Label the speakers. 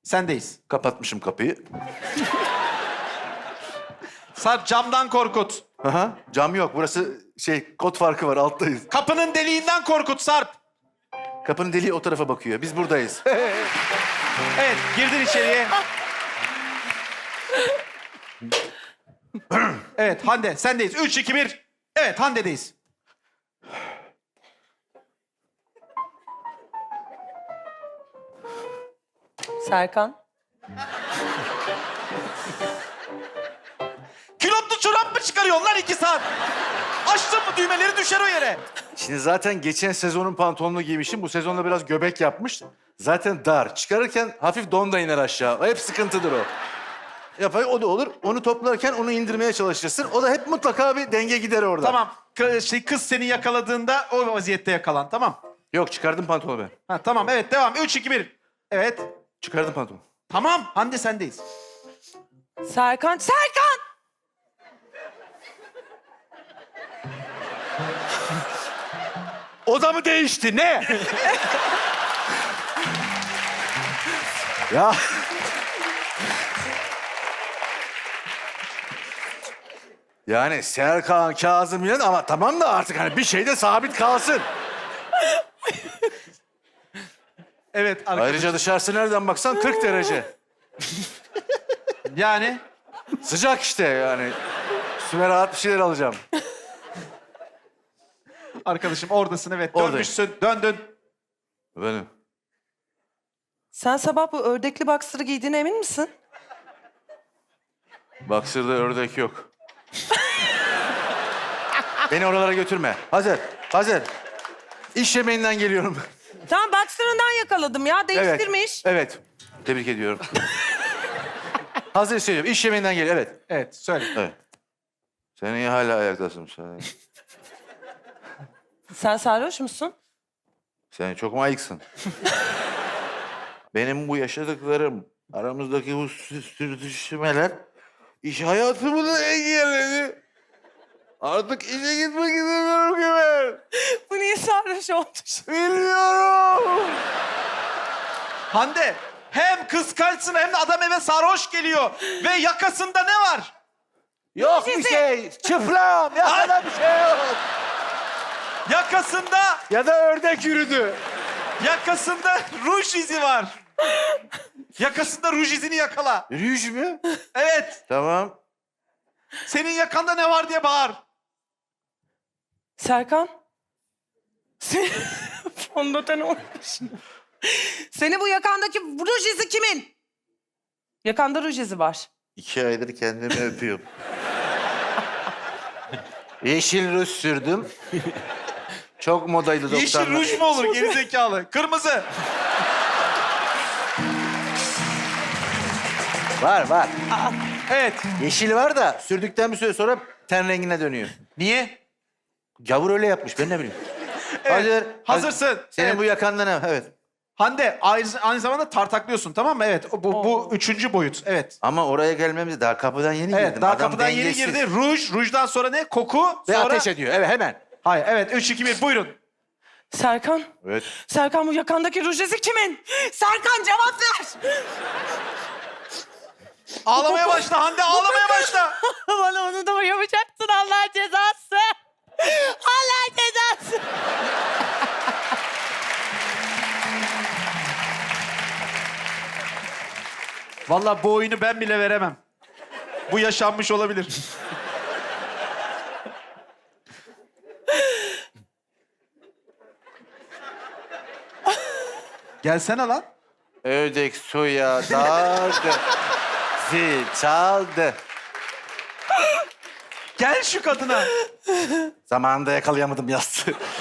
Speaker 1: Sendeyiz.
Speaker 2: Kapatmışım kapıyı.
Speaker 1: Sarp camdan korkut.
Speaker 2: Aha, cam yok. Burası kod farkı var. Alttayız.
Speaker 1: Kapının deliğinden korkut Sarp.
Speaker 2: Kapının deliği o tarafa bakıyor. Biz buradayız.
Speaker 1: Evet, girdin içeriye. Evet, Hande sendeyiz. 3, 2, 1. Evet, Hande'deyiz.
Speaker 3: Serkan.
Speaker 1: Külotlu çorap mı çıkarıyorsun lan 2 saat? Açtın mı düğmeleri düşer o yere.
Speaker 2: Şimdi zaten geçen sezonun pantolonunu giymişim. Bu sezonda biraz göbek yapmış. Zaten dar. Çıkarırken hafif don da iner aşağı. Hep sıkıntıdır o. Yapay o da olur. Onu toplarken onu indirmeye çalışırsın. O da hep mutlaka bir denge gider orada.
Speaker 1: Tamam, kız seni yakaladığında o vaziyette yakalan, tamam.
Speaker 2: Yok, çıkardım pantolonu ben.
Speaker 1: Ha, tamam, evet devam. 3, 2, 1. Evet.
Speaker 2: Çıkardım pantolonu.
Speaker 1: Tamam, Hande sendeyiz.
Speaker 3: Serkan. Serkan!
Speaker 2: O da mı değişti? Ne? Ya. Yani Serkan, Kazım Yüren ama tamam da artık hani bir şey de sabit kalsın.
Speaker 1: Evet arkadaşlar.
Speaker 2: Ayrıca dışarısı nereden baksan 40 derece.
Speaker 1: Yani
Speaker 2: Sıcak işte yani. Üstüme rahat bir şeyler alacağım.
Speaker 1: arkadaşım oradasın, evet.
Speaker 2: Oradayım.
Speaker 1: Dönmüşsün, döndün.
Speaker 2: Benim.
Speaker 3: Sen sabah bu ördekli boxer'ı giydiğine emin misin?
Speaker 2: Boxer'da ördek yok. Beni oralara götürme. Hazır, hazır. İş yemeğinden geliyorum.
Speaker 3: Tamam boxer'ından yakaladım ya. Değiştirmiş.
Speaker 2: Evet. Tebrik ediyorum. Hazır söylüyorum. İş yemeğinden geliyor. Evet.
Speaker 1: Evet, söyle.
Speaker 2: Evet. Sen iyi hala ayaktasın.
Speaker 3: Sen sarhoş musun?
Speaker 2: Sen çok mu ayıksın? Benim bu yaşadıklarım, aramızdaki bu sürtüşmeler iş hayatımı da engelledi. Artık işe gitmek istemiyorum ki ben.
Speaker 3: Bu niye sarhoş oldu?
Speaker 2: Bilmiyorum.
Speaker 1: Hande, hem kıskançsın hem de adam eve sarhoş geliyor. Ve yakasında ne var?
Speaker 2: Yok bir şey. Çıplam. Ya bir şey yok.
Speaker 1: Yakasında,
Speaker 2: Ya da ördek yürüdü.
Speaker 1: yakasında ruj izi var. Yakasında ruj izini yakala.
Speaker 2: Rüj mü?
Speaker 1: Evet,
Speaker 2: Tamam.
Speaker 1: senin yakanda ne var diye bağır.
Speaker 3: Serkan. Fondöten olmuş. Senin bu yakandaki ruj izi kimin? Yakanda ruj izi var.
Speaker 2: 2 aydır kendimi öpüyorum. Yeşil ruj sürdüm. Çok modaydı 90'lar.
Speaker 1: Yeşil ruj mu olur gerizekalı? Kırmızı.
Speaker 2: Var var.
Speaker 1: Evet.
Speaker 2: Yeşil var da sürdükten bir süre sonra ten rengine dönüyor.
Speaker 1: Niye?
Speaker 2: Gavur öyle yapmış, ben ne bileyim.
Speaker 1: Evet,
Speaker 2: Hazır.
Speaker 1: hazırsın.
Speaker 2: Senin
Speaker 1: Evet.
Speaker 2: bu yakanda ne? Evet.
Speaker 1: Hande aynı zamanda tartaklıyorsun, tamam mı? Evet, bu 3. boyut. Evet.
Speaker 2: Ama oraya gelmemiz daha kapıdan yeni
Speaker 1: Evet,
Speaker 2: girdim.
Speaker 1: daha
Speaker 2: Adam
Speaker 1: kapıdan yeni
Speaker 2: dengesiz.
Speaker 1: girdi. Rujdan sonra ne? Koku.
Speaker 2: Ve
Speaker 1: Sonra...
Speaker 2: ateş ediyor. Evet, hemen.
Speaker 1: Hayır, evet. 3, 2, 1 buyurun.
Speaker 3: Serkan.
Speaker 2: Evet.
Speaker 3: Serkan bu yakandaki ruj izi kimin? Serkan cevap ver.
Speaker 1: Ağlamaya başla Hande, ağlamaya başla.
Speaker 3: Bana onu da mı yapacaksın Allah cezası? Allah cezası.
Speaker 1: Vallahi bu oyunu ben bile veremem. Bu yaşanmış olabilir. Gelsene lan.
Speaker 2: Ördek suya daldı. Zil çaldı.
Speaker 1: Gel şu kadına.
Speaker 2: Zamanında yakalayamadım yastığı.